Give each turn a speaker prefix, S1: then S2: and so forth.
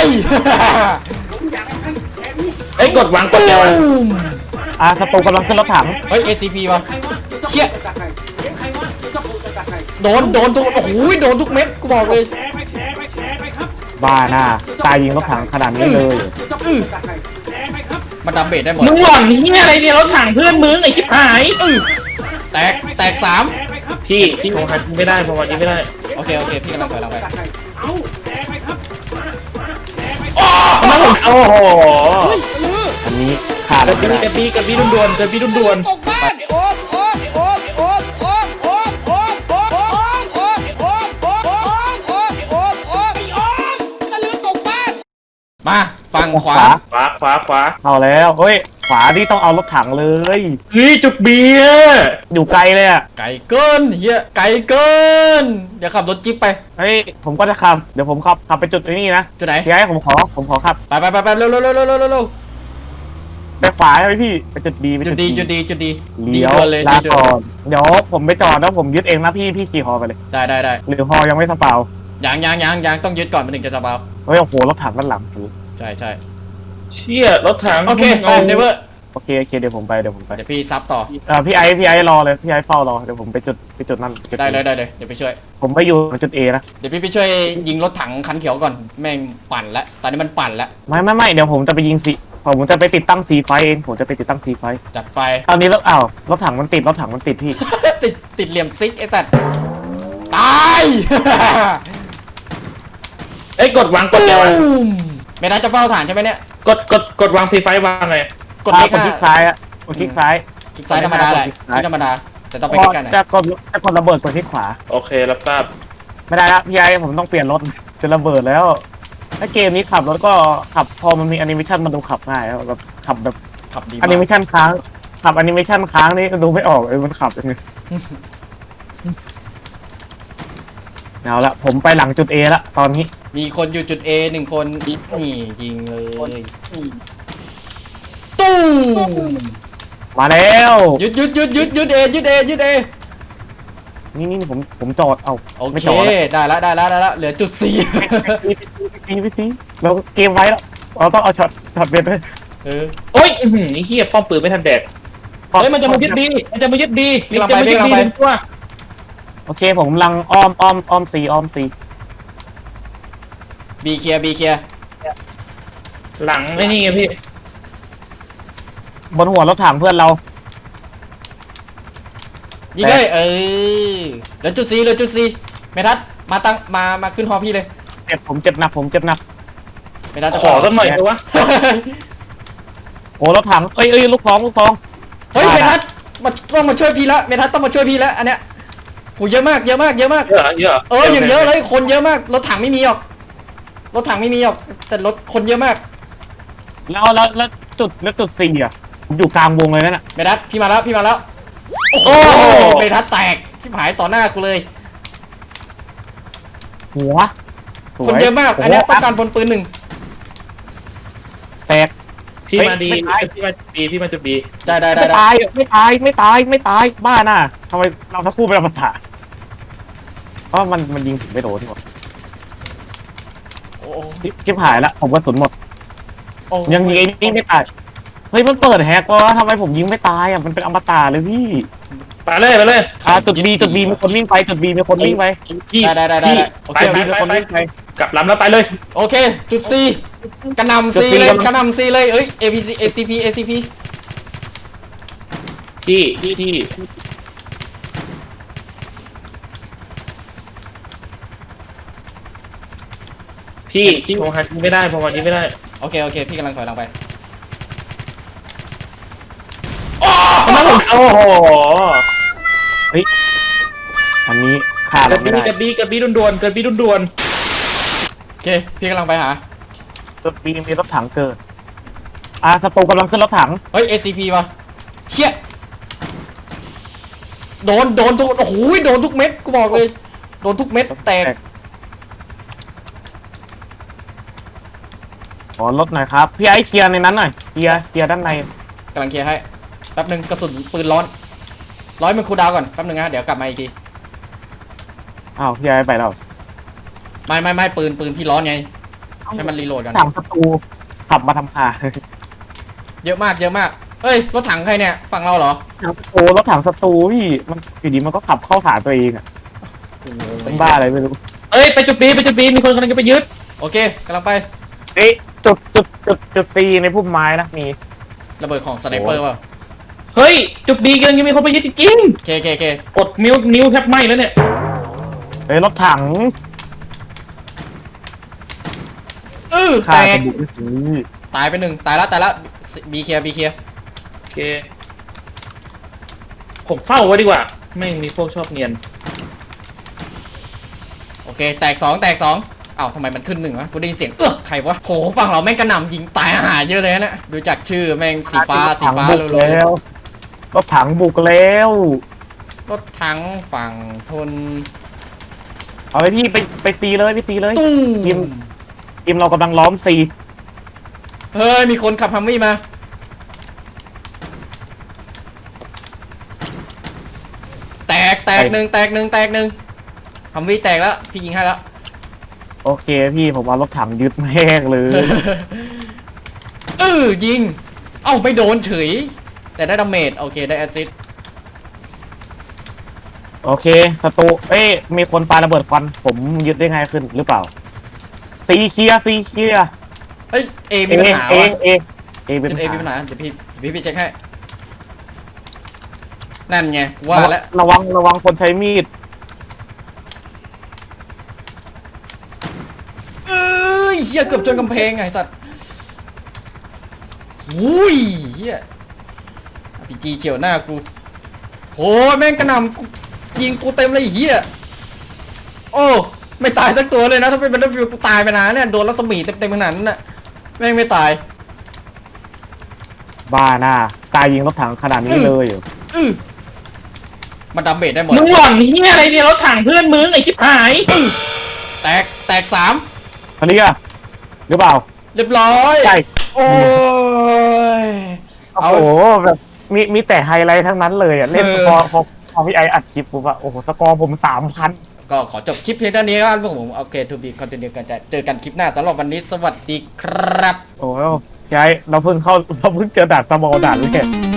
S1: เอ้ยกดวางกดเดียว
S2: ศัตรูกำลังขึ้นรถถัง
S3: เฮ้ย ACP วะเชี่ยโดนทุกโอ้โหโดนทุกเม็ดกูบอกเลย
S2: บ้าหน้าตายยิงรถถังขนาดนี้เลย
S3: มันดับเบลได้หมด
S1: มึงหล่อนที่อะไรเนี่ยรถถังเพื่อนมึงไอ้ชิบหาย
S3: แตกสาม
S1: พี่ของใครไม่ได้ประวัตินี้ไม่ได้
S3: โอเคพี่กำลังถอยหลังไป
S1: โอ้โห
S2: อันนี้ขาด
S1: กระ
S2: ไม่ได้
S1: บี่ด่วน
S3: ตกบ้านโอ๊บตะลือตกบ้านมาฝั่งขวา
S1: ขวา
S2: เอาแล้วเฮ้ยขวาที่ต้องเอารถถังเลย
S1: เฮ้ยจุกเบียร์
S2: อยู่ไกลเลยอ่ะ
S3: ไก่เกินเฮียไก่เกินเดี๋ยวขับรถจิ๊บไป
S2: เฮ้ยผมก็จะขับเดี๋ยวผมขับไปจุดนี้นะ
S3: จุดไหน
S2: พี่ไอ้ผมขอขับ
S3: ไปเร็ว
S2: ไปขวาใช่ไหมพี่ไปจุดดีไป
S3: จุดดี
S2: เลี้ยว
S3: ด่วนเลย
S2: ลา
S3: ดีด่ว
S2: ก่อน นเดี๋ยวผมไปจอดแล้วผมยึดเองนะพี่ขี่ฮอไปเลย
S3: ได้
S2: หรือฮอยังไม่สเปา
S3: ยังต้องยึดก่อนมันถึงจะสบาย
S2: เฮ้ยโอ้โหรถถังด้านหลังคือ
S3: ใช่
S1: เชี่ยรถถัง
S3: โอเคไปเนเวอร์
S2: โอเคเดี๋ยวผมไป
S3: เดี๋ยวพี่ซับต่อ
S2: พี่ไอ้รอเลยพี่ไอ้เฝ้ารอเดี๋ยวผมไปจุดนั่นจุ
S3: ได้เลยเดี๋ยวไปช่วย
S2: ผมไปอยู่จุด A นะ
S3: เดี๋ยวพี่ไปช่วยยิงรถถังคันเขียวก่อนแม่งปั่นแล้วตอนนี้มันปั่นแล้ว
S2: ไม่เดี๋ยวผมจะไปยิงสีผมจะไปติดตั้งซีไฟเองผมจะไปติดตั้งซีไฟ
S3: จัดไป
S2: ตอนนี้แล้วรถถังมันติดพี่
S3: ติดเหลี่ยมซิกไอ้สัตว์ตาย
S1: เอ้ยกดวางกดเดียว
S3: ไม่น่าจะเฝ้าฐานใช่ไหมเนี่ย
S1: กดวางซีไฟวางไง
S3: กดเลข
S2: คลิกซ้ายอะกดคลิกซ้าย
S3: คลิกซ้ายธรรมดาแหละคลิกธรรมดาแต่ต้องไปคลิกกันนะ
S2: จะกดระเบิดกดคลิกขวา
S1: โอเครับทราบ
S2: ไม่ได้ละพี่ไอ้ผมต้องเปลี่ยนรถจะระเบิดแล้วถ้าเกมนี้ขับรถก็ขับพอมันมีแอนิเมชันมันดูขับง่ายแล้วแบบขับแบบ
S3: ขับดี
S2: แอนิเม
S3: มาก
S2: ชันค้างขับแอนิเมชันค้างนี่ดูไม่ออกมันขับยังไงเอาละผมไปหลังจุด A ละตอนนี้
S3: มีคนอยู่จุด A 1 คนนี่ยิงเลยตู้ม
S2: มาแล้ว
S3: ยึด A ยึด A
S2: นี่ผมจอดเอา
S3: โอ
S2: ไม่
S3: เค
S2: จอดแล้ว
S3: ได้ละเหลือจุด 4
S2: พี่เราเกมไว้แล้วเราต้องเอาช็อตเบ็ดเลย
S3: เออ
S1: โอ้ยไอ้เหี้ยป้อมปืนไม่ทันแดกเฮ้ยมันจะมายึดดีตัว
S2: โอเคผมกำลังอ้อมซี
S3: บีเคลียร์
S1: หลังไอ้นี่ไงพี่
S2: บนหัวรถถังเพื่อนเรา
S3: ยิงเลยเหลือจุด 4เมทัศน์มาขึ้นฮอพี่เลย
S2: ผมเจ็บหนัก
S3: เมทัศน์จะ
S1: ขอสักหน่อยเลยวะ
S2: โอ้รถถังเอ้ยลูกซอง
S3: เฮ้ยเมทัศน์ต้องมาช่วยพี่ละเมทัศน์ต้องมาช่วยพี่แล้วอันเนี้ยโหเยอะมาก
S1: เยอะ
S3: อย่างเยอะเลยคนเยอะมากรถถังไม่มีหรอกแต่รถคนเยอะมาก
S2: แล้วจุดสี่อ่ะผมอยู่กลางวงเลยนั่นน่ะ
S3: เมทัศน์พี่มาแล้วโอ้โหเมทัศน์แตกชิบหายต่อหน้ากูเลย
S2: หัว
S3: คนเยอะมากอันเนี้ยต้องการพลปืน
S2: แตก
S1: พี่มาดีพี่มาจุดบี
S3: ได้
S2: ไม่ตายบ้าน่ะทำไมเราทั้งคู่เป็นอมตะเพราะมันยิงผมไม่โดนหมด
S3: โอ้
S2: ชิบหายละผมกระสุนหมด
S3: โอ้
S2: ยังยิงไอ้นี่ไม่ตายเฮ้ยมันเปิดแฮกวะทำไมผมยิงไม่ตายอ่ะมันเป็นอมตะเลยพี่
S1: ไปเลย
S2: จุดบีมีคนวิ่งไป
S1: พี่
S3: ได้โอเค
S2: มีคนวิ่งไป
S1: กลับลำแล้วไปเลย
S3: โอเคจุด C กระหน่ำ C เลยเอ้ย ACP
S1: ที่พี่ของใครไม่ได้ประวัตินี้ไม่ได้
S3: โอเคพี่กำลังถอยหลังไป
S1: โอ้โห
S2: เฮ้ยอันนี้ขาด
S1: กระ
S2: ไม่ได้
S1: บี่ด่วน
S3: โอเคพี่กำลังไปหา
S2: จุดบีมีรถถังเกิดศัตรูกำลังขึ้นรถถัง
S3: เฮ้ย ACP วะเชี่ยโดนทุกโอ้โหโดนทุกเม็ดกูบอกเลยโดนทุกเม็ดแตก
S2: ขอรถหน่อยครับพี่ไอ้เคลียร์ในนั้นหน่อยเคลียร์ด้านใน
S3: กำลังเคลียร์ให้แป๊บนึงกระสุนปืนร้อนมันคูลดาวน์ก่อนแป๊บนึงนะเดี๋ยวกลับมาอีกที
S2: พี่ไอ้ไปแล้ว
S3: ไม่ปืนพี่ร้อนไงให้มันรีโหลดกัน
S2: ถังศัตรูขับมาทำข่า
S3: เยอะมากเยอะมากเอ้ยรถถังใครเนี่ยฝั่งเราเหรอ
S2: ถังศัตรูรถถังศัตรูพี่มันอยู่ดีมันก็ขับเข้าหาตัวเองอ่ะ
S3: โอ้โห
S2: เป็นบ้าอะไรไม่รู้
S1: เอ้ยไปจุดบีมีคนกำลังจะไปยึด
S3: โอเคกำลังไป
S2: เอ๊ะจุดซีในพุ่มไม้นะมี
S3: ระเบิดของสไนเปอร์เปล่า
S1: เฮ้ยจุดบีกำลังจะมีคนไปยึดจริง
S3: เคเคเค
S1: กดนิ้วแทบไหม้แล้วเนี่ย
S2: เฮ้ยรถถัง
S3: แต
S2: ฆ่ากั
S3: ก
S2: นบุกสิ
S3: ตายไปหนึ่งตายละบีเคลียร์
S1: โอเคผมเฝ้าไว้ดีกว่าไม่มีพวกชอบเนียน
S3: โอเคแตกสองอ้าวทำไมมันขึ้นหนึ่งวะกูได้ยินเสียงใครวะโหฝั่งเราแม่งกระหน่ำยิงตายอาหารเยอะเลยนะดูจากชื่อแม่งสีฟ้า
S2: บุก
S3: เลย
S2: แล้วรถถังบุกแล้ว
S3: รถถังฝั่งทน
S2: เอาไปพี่ไปตีเลยไปตีเลย
S3: ตุ้
S2: ที
S3: ม
S2: มเรากำลังล้อมซี
S3: เฮ้ยมีคนขับฮัมวี่มาแตกหนึ่งฮัมวี่แตกแล้วพี่ยิงให้แล้ว
S2: โอเคพี่ผมเอารถถังยึดแม่งเลย
S3: ยิงเอ้าไม่โดนเฉยแต่ได้ดาเมจโอเคได้แอสซิสต์
S2: โอเคศัตรูเอ้ยมีคนปาระเบิดควันผมยึดได้ง่ายขึ้นหรือเปล่าซีเคลียร์
S3: เฮ้ยเอมีปัญหา
S2: เอ
S3: วะ
S2: เป็น
S3: จุด
S2: ปั
S3: เอ
S2: ญ
S3: มีปัญ
S2: หา
S3: หาเดี๋ยวพี่ไปเช็คให้นั่นไงว่าแล้ว
S2: ระวังคนใช้มีด
S3: เฮียเกือบจนกำแพงไงสัตว์หุยเฮียพีจีเฉียวหน้ากูโหแม่งกระหน่ำยิงกูเต็มเลยเฮียโอ้ไม่ตายสักตัวเลยนะถ้าเป็นBattlefieldกูตายไปนานเนี่ยโดนรัศมีเต็มขนาดนั้นน่ะแม่งไม่ตาย
S2: บ้าหน้าตายยิงรถถังขนาดนี้เลยเหรอ
S3: มันดาเมจได้หมด
S1: มึงหล่อนเฮียอะไรเนี่ยรถถังเพื่อนมึงไอ้ชิบหาย
S3: แตกสาม
S2: เคลียร์หรือเปล่า
S3: เรียบร้อย
S2: ใช่
S3: โอ้ย
S2: โอ้โหแบบมีแต่ไฮไลท์ทั้งนั้นเลยอ่ะเล่นสกอร์พอพี่ไออัดคลิปปุ๊บอะโอ้โหสกอร์ผม3,000
S3: ก็ขอจบคลิปเพียงเท่านี้ครับผมโอเคทูบีคอนเทนต์กันจะเจอกันคลิปหน้าสำหรับวันนี้สวัสดีครับ
S2: โอ้โหพี่ไอเราเพิ่งเจอด่านสมอลด่านแรก